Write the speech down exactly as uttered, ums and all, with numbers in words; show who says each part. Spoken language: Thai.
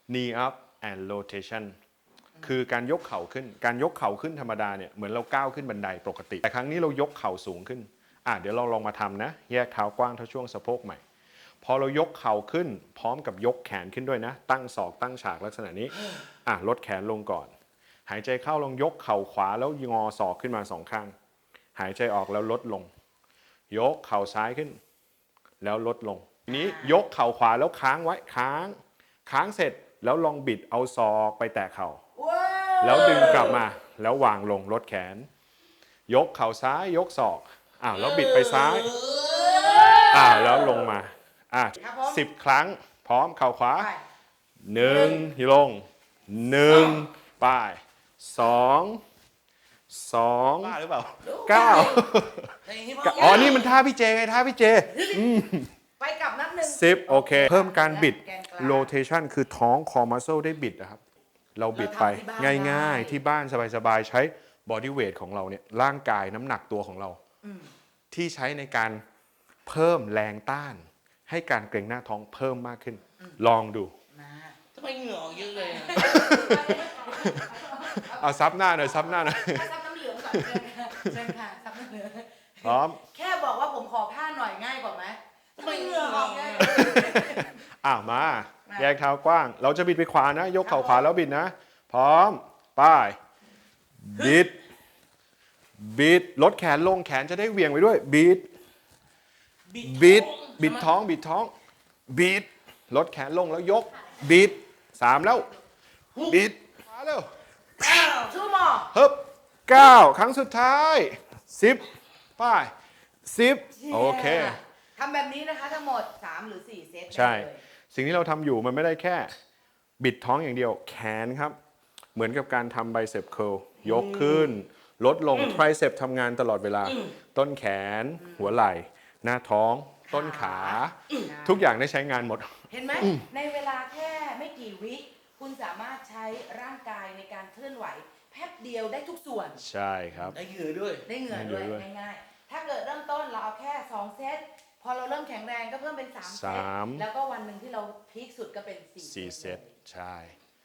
Speaker 1: knee up and rotation คือการยกเข่าขึ้นการยกเข่าขึ้นธรรมดาเนี่ยเหมือนเราก้าวขึ้นบันไดปกติแต่ครั้งนี้เรายกเข่าสูงขึ้นอ่ะเดี๋ยวเราลองมาทำนะแยกเท้ากว้างเท่าช่วงสะโพกใหม่พอเรายกเข่าขึ้นพร้อมกับยกแขนขึ้นด้วยนะตั้งศอกตั้งฉากลักษณะนี้อ่ะลดแขนลงก่อนหายใจเข้าลองยกเข่าขวาแล้วงอศอกขึ้นมาสองข้างหายใจออกแล้วลดลงยกเข่าซ้ายขึ้นแล้วลดลงทีนี้ยกเข่าขวาแล้วค้างไว้ค้างค้างเสร็จแล้วลองบิดเอาศอกไปแตะเข่าแล้วดึงกลับมาแล้ววางลงลดแขนยกเข่าซ้ายยกศอกอ้าวแล้วบิดไปซ้ายอ้าวแล้วลงมาอ่ะสิบครั้งพร้อมเข่าขวาหนึ่งลงหนึ่งป้ายสองสองบ้าหรือเปล่าเก้าอ๋อนี่มันท่าพี่เจไงท่าพี่เจ
Speaker 2: ไปกลับนับหนึ่ง
Speaker 1: สิบโอเคเพิ่มการบิด rotation คือท้อง core muscle ได้บิดนะครับเราบิดไปง่ายๆที่บ้านสบายๆใช้ body weight ของเราเนี่ยร่างกายน้ำหนักตัวของเราที่ใช้ในการเพิ่มแรงต้านให้การเกร็งหน้าท้องเพิ่มมากขึ้นลองดู
Speaker 3: ทำไมเหงื่อออกเยอะเลย
Speaker 1: เอาซับหน้าหน่อยซับหน้าหน่อย
Speaker 2: ซับน้ำเหลืองก่อนเชิญค่ะซับน้ำเหลือง
Speaker 1: พร้อม
Speaker 2: แค่บอกว่าผมขอผ้าหน่อยง่ายกว่าไหมทำไมเหงื่อออกเนี่ย
Speaker 1: อ้าวมาแยกเท้ากว้างเราจะบิดไปขวานะยกเข่าขวาแล้วบิดนะพร้อมป้ายบิดบิดลดแขนลงแขนจะได้เหวี่ยงไปด้วยบิดบิดบิดท้องบิดท้องบิดลดแขนลงแล้วยกบิดสามแล้วบิดมาเร็ว
Speaker 2: ชูหมอ
Speaker 1: ฮึบเก้าครั้งสุดท้ายสิบป้ายสิบโอเค
Speaker 2: ทำแบบนี้นะคะทั้งหมดสามหรือสี่เซต
Speaker 1: ใช่สิ่งที่เราทำอยู่มันไม่ได้แค่บิดท้องอย่างเดียวแขนครับเหมือนกับการทำไบเซปเคิลยกขึ้นลดลงไทรเซปทำงานตลอดเวลาต้นแขนหัวไหล่หน้าท้องต้นขาทุกอย่างได้ใช้งานหมด
Speaker 2: เห็นไหมในเวลาแค่ไม่กี่วิคุณสามารถใช้ร่างกายในการเคลื่อนไหวแป๊บเดียวได้ทุกส่วน
Speaker 1: ใช่ครับ
Speaker 3: ได้เหงื่อด้วย
Speaker 2: ได้เหงื่อด้วยง่ายๆถ้าเกิดเริ่มต้นเราเอาแค่สองเซตพอเราเริ่มแข็งแรงก็เพิ่มเป็นสามเซตแล้วก็วันหนึ่งที่เราพีคสุดก็เป็นสี่
Speaker 1: เซตใช่